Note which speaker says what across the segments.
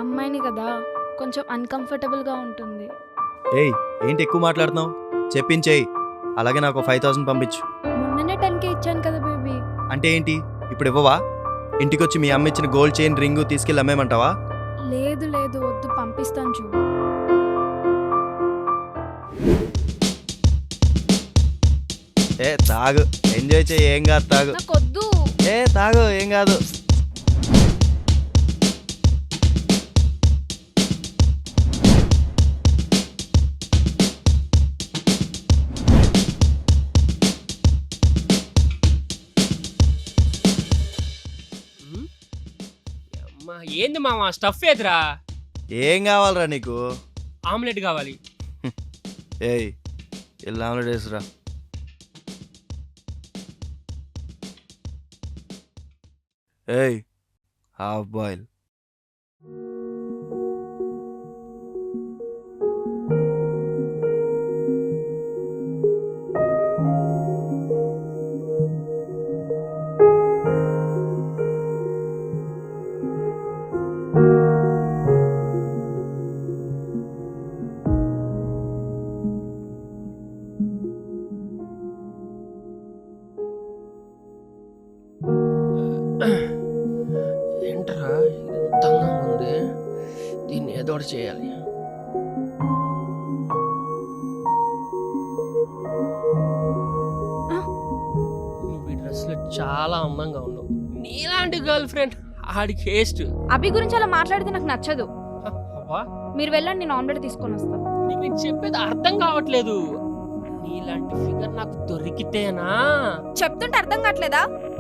Speaker 1: అమ్మాయిని కదా, కొంచెం అన్కంఫర్టబుల్గా ఉంటుంది.
Speaker 2: ఏయ్ ఏంటి ఎక్కువ మాట్లాడుతున్నావు? చెప్పించేయి. అలాగే నాకు 5,000 పంపించు.
Speaker 1: మొన్ననే 10K ఇచ్చాను కదా బేబీ.
Speaker 2: అంటే ఏంటి ఇప్పుడు ఇవ్వవా? ఇంటికొచ్చి మీ అమ్మ ఇచ్చిన గోల్డ్ చైన్ రింగు తీసుకెళ్ళి అమ్మేమంటావా?
Speaker 1: లేదు లేదు వద్దు, పంపిస్తాను చూడు.
Speaker 2: ఏ తాగు, ఎంజాయ్ చేయి, ఏం కాదు తాగు.
Speaker 1: నాకు వద్దు.
Speaker 2: ఏ తాగు, ఏం కాదు.
Speaker 3: అమ్మా, ఏంది మామ స్టఫ్ ఏదిరా?
Speaker 2: ఏం కావాలరా నీకు?
Speaker 3: ఆమ్లెట్ కావాలి.
Speaker 2: ఏయ్ ఇలా ఆమ్లెట్ వేసురా. ఏయ్ హాఫ్ బాయిల్.
Speaker 3: ఏంట్రా ఇంత అందంగా ఉంది, దీన్ని ఏదో ఒకటి చేయాలి. నువ్వు ఈ డ్రెస్లో చాలా అందంగా ఉన్నావు. నీలాంటి గర్ల్ ఫ్రెండ్ ఆడికి వేస్ట్.
Speaker 1: అభి గురించి అలా మాట్లాడితే నాకు నచ్చదు.
Speaker 3: అవ్వా,
Speaker 1: మీరు వెళ్ళండి, నేను ఆమ్లెట్ తీసుకొని వస్తాను.
Speaker 3: నీకు నేను చెప్పేది అర్థం కావట్లేదు. నీలాంటి ఫిగర్ నాకు దొరికితేనా?
Speaker 1: చెప్తుంటే అర్థం కావట్లేదా?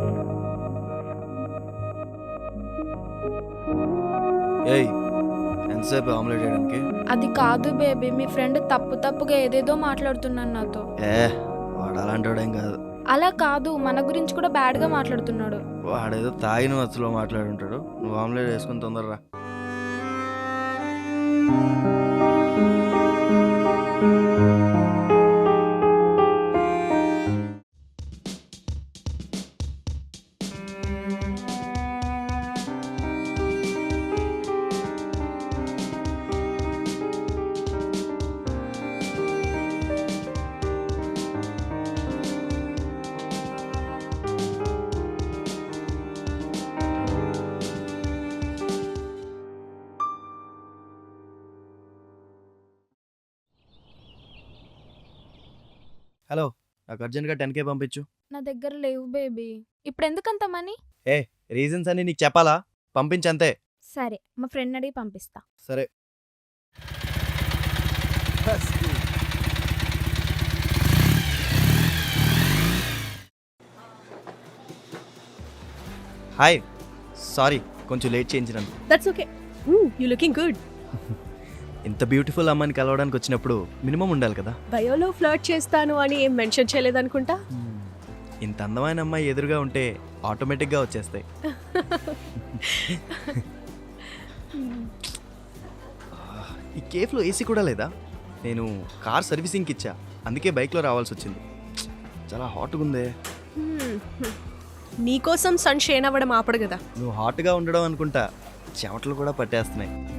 Speaker 2: ఏయ్ ఎంతసేపు ఆమ్లెట్ వేయడానికి?
Speaker 1: అది కాదు బేబీ, మీ ఫ్రెండ్ తప్పుగా ఏదేదో మాట్లాడుతున్నాను నాతో.
Speaker 2: ఏ వాడు అలాంటి వాడేం కాదు.
Speaker 1: అలా కాదు, మన గురించి కూడా బ్యాడ్ గా మాట్లాడుతున్నాడు.
Speaker 2: వాడేదో తాగిన మత్తులో మాట్లాడుంటాడు. నువ్వు ఆమ్లెట్ వేసుకుని తొందరరా. హలో, నాకు అర్జెంట్గా 10K పంపించు.
Speaker 1: నా దగ్గర లేవు బేబీ. ఇప్పుడు ఎందుకంత మనీ?
Speaker 2: ఏ రీజన్స్ అన్ని నీకు చెప్పాలా? పంపించంతే.
Speaker 1: సరే, మా ఫ్రెండ్ అడిగి పంపిస్తా.
Speaker 2: సరే. హాయ్, సారీ కొంచెం లేట్ చేయించినాను.
Speaker 4: That's okay. You're looking good.
Speaker 2: ఇంత బ్యూటిఫుల్ అమ్మాయిని కలవడానికి వచ్చినప్పుడు మినిమం ఉండాలి కదా.
Speaker 4: బయోలో ఫ్లర్ట్ చేస్తాను అని ఏం మెన్షన్ చేయలేదనుకుంటా.
Speaker 2: ఇంత అందమైన అమ్మాయి ఎదురుగా ఉంటే ఆటోమేటిక్గా వచ్చేస్తాయి. ఈ కేఫ్లో ఏసీ కూడా లేదా? నేను కార్ సర్వీసింగ్కి ఇచ్చా, అందుకే బైక్లో రావాల్సి వచ్చింది. చాలా హాట్గా ఉందే.
Speaker 4: నీకోసం సన్ షేన్ అవ్వడం ఆపడు కదా.
Speaker 2: నువ్వు హాట్గా ఉండడం అనుకుంటా చెమటలు కూడా పట్టేస్తున్నాయి.